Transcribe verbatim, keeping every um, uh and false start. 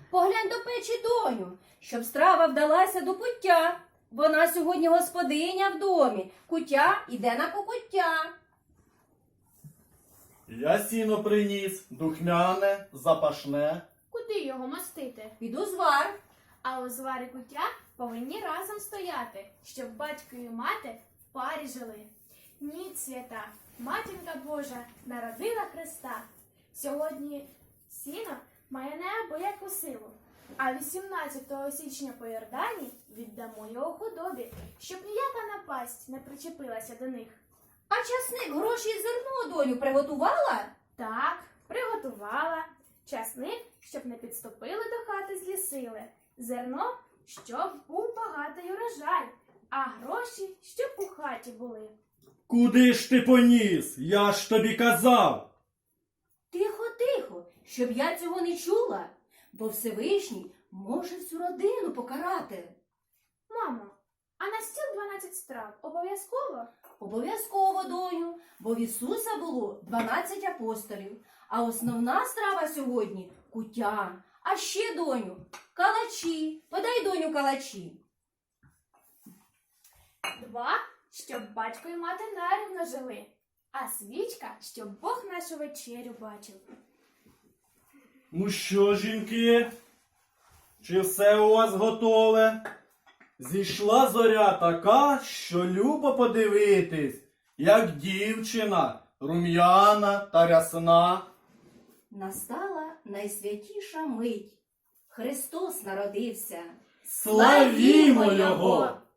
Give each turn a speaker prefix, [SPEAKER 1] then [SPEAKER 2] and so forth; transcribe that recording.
[SPEAKER 1] Поглянь до печі, доню, щоб страва вдалася до пуття. Вона сьогодні господиня в домі, куття іде на покуття.
[SPEAKER 2] Я сіно приніс, духмяне, запашне.
[SPEAKER 3] Куди його мастити?
[SPEAKER 1] Під узвар.
[SPEAKER 3] А у зварі куття повинні разом стояти, щоб батько і мати в парі жили. Ніч свята, матінка Божа народила Христа. Сьогодні сіно має неабияку силу, а вісімнадцятого січня по Йордані віддамо його худобі, щоб ніяка напасть не причепилася до них.
[SPEAKER 1] А часник, гроші і зерно, доню, приготувала?
[SPEAKER 3] Так, приготувала. Часник, щоб не підступили до хати злі сили. Зерно, щоб був багатий урожай, а гроші, щоб у хаті були.
[SPEAKER 2] Куди ж ти поніс? Я ж тобі казав.
[SPEAKER 1] Тихо, тихо, щоб я цього не чула, бо Всевишній може всю родину покарати.
[SPEAKER 3] Мамо, а на стіл дванадцять страв обов'язково?
[SPEAKER 1] Обов'язково, доню, бо в Ісуса було дванадцять апостолів, а основна страва сьогодні – куття. А ще, доню, калачі. Подай, доню, калачі.
[SPEAKER 3] Два, щоб батько і мати нарівно жили, а свічка, щоб Бог нашу вечерю бачив.
[SPEAKER 2] Ну що, жінки? Чи все у вас готове? Зійшла зоря така, що любо подивитись, як дівчина, рум'яна та рясна.
[SPEAKER 1] Настала найсвятіша мить. Христос народився.
[SPEAKER 2] Славімо Його!